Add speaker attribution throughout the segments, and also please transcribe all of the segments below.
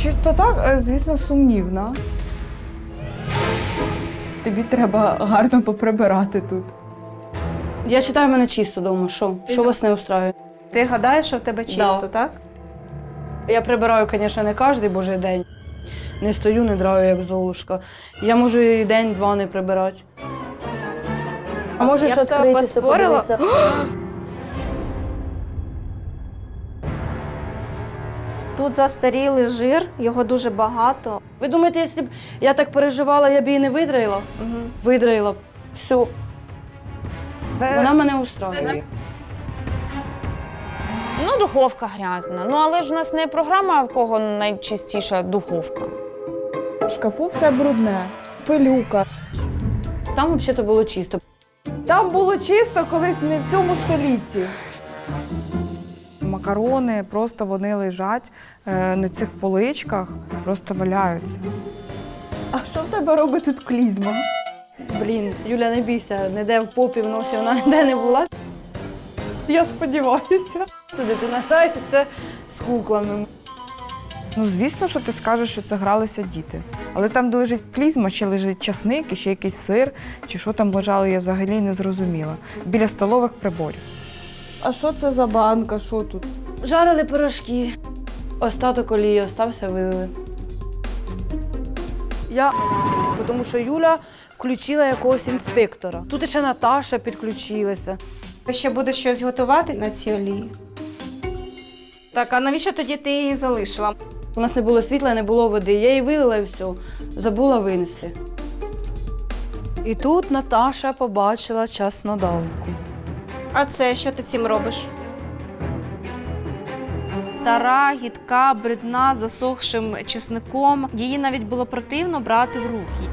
Speaker 1: Чистота, звісно, сумнівна. Тобі треба гарно поприбирати тут.
Speaker 2: Я вважаю, в мене чисто вдома. Що вас не устраює?
Speaker 3: Ти гадаєш, що в тебе чисто,
Speaker 2: Да.
Speaker 3: так?
Speaker 2: Я прибираю, звісно, не кожен божий день. Не стою, не драю, як золушка. Я можу і день-два не прибирати. А можеш
Speaker 3: Я б з тобою
Speaker 2: відкритися,
Speaker 3: поспорила.
Speaker 2: подивитися?
Speaker 3: Тут застарілий жир, його дуже багато.
Speaker 2: Ви думаєте, якщо б я так переживала, я б її не видраїла?
Speaker 3: Угу.
Speaker 2: Видраїла б. Все. Вона мене устраює.
Speaker 4: Ну, духовка грязна. Ну, але ж у нас не програма, в кого найчистіша духовка.
Speaker 1: В шкафу все брудне, пилюка.
Speaker 2: Там взагалі було чисто.
Speaker 1: Там було чисто колись не в цьому столітті. Макарони просто вони лежать на цих поличках, просто валяються. А що в тебе робить тут клізма?
Speaker 2: Блін, Юля, не бійся, ніде в попі, в носі вона ніде не була.
Speaker 1: Я сподіваюся.
Speaker 2: Це дитина грається з куклами.
Speaker 1: Ну, звісно, що ти скажеш, що це гралися діти. Але там, де лежить клізма, ще лежить часник, і ще якийсь сир, чи що там лежало, я взагалі не зрозуміла. Біля столових приборів. А що це за банка? Що тут?
Speaker 2: Жарили пирожки. Остаток олії остався, вилили. Я, тому що Юля включила якогось інспектора. Тут ще Наташа підключилася.
Speaker 3: Ви ще будеш щось готувати на цій олії? Так, а навіщо тоді ти її залишила?
Speaker 2: У нас не було світла, не було води. Я її вилила і все. Забула винести. І тут Наташа побачила чеснодавку.
Speaker 3: А це що ти цим робиш? Стара, гідка, брудна, засохшим чесником. Її навіть було противно брати в руки.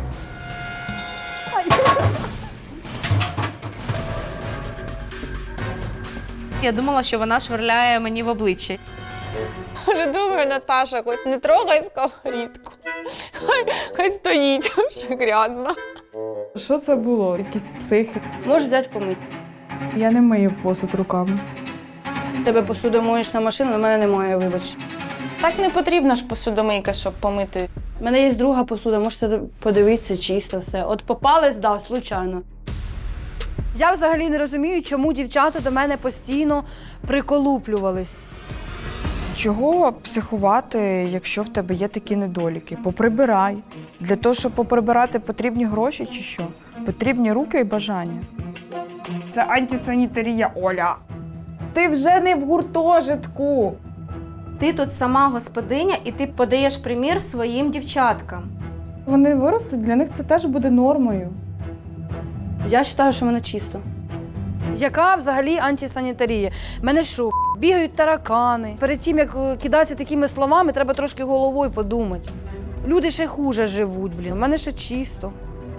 Speaker 3: Я думала, що вона швирляє мені в обличчя.
Speaker 4: Може, думаю, Наташа, хоч не трогай сковорідку. Хай стоїть, що грязно.
Speaker 1: Що це було? Якісь психи?
Speaker 2: Можеш взяти помити.
Speaker 1: Я не мию посуд руками.
Speaker 2: В тебе посудомоєчна машина, в мене немає, вибач.
Speaker 4: Так не потрібна ж посудомийка, щоб помити.
Speaker 2: У мене є друга посуда, можете подивитися, чисто все. От попались, да, случайно. Я взагалі не розумію, чому дівчата до мене постійно приколуплювались.
Speaker 1: Чого психувати, якщо в тебе є такі недоліки? Поприбирай. Для того, щоб поприбирати, потрібні гроші чи що? Потрібні руки і бажання. Це антисанітарія, Оля. Ти вже не в гуртожитку.
Speaker 3: Ти тут сама господиня, і ти подаєш примір своїм дівчаткам.
Speaker 1: Вони виростуть, для них це теж буде нормою.
Speaker 2: Я вважаю, що в мене чисто. Яка взагалі антисанітарія? Мене що, бігають таракани. Перед тим, як кидатися такими словами, треба трошки головою подумати. Люди ще хуже живуть, блін. У мене ще чисто.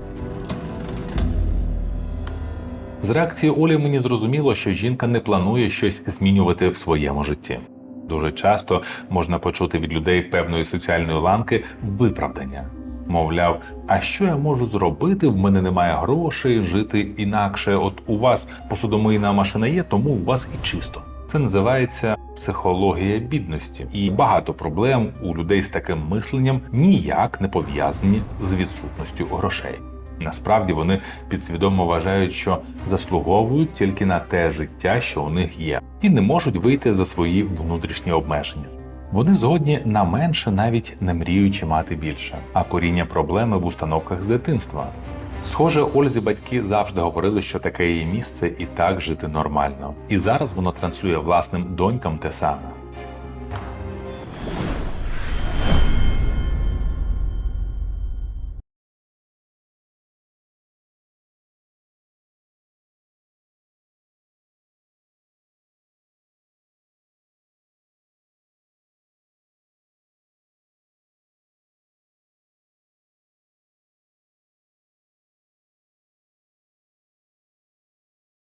Speaker 5: З реакції Олі мені зрозуміло, що жінка не планує щось змінювати в своєму житті. Дуже часто можна почути від людей певної соціальної ланки виправдання. Мовляв, а що я можу зробити, в мене немає грошей, жити інакше, от у вас посудомийна машина є, тому у вас і чисто. Це називається психологія бідності. І багато проблем у людей з таким мисленням ніяк не пов'язані з відсутністю грошей. Насправді вони підсвідомо вважають, що заслуговують тільки на те життя, що у них є, і не можуть вийти за свої внутрішні обмеження. Вони згодні на менше, навіть не мріючи мати більше. А коріння проблеми в установках з дитинства. Схоже, Ользі батьки завжди говорили, що таке її місце і так жити нормально. І зараз воно транслює власним донькам те саме.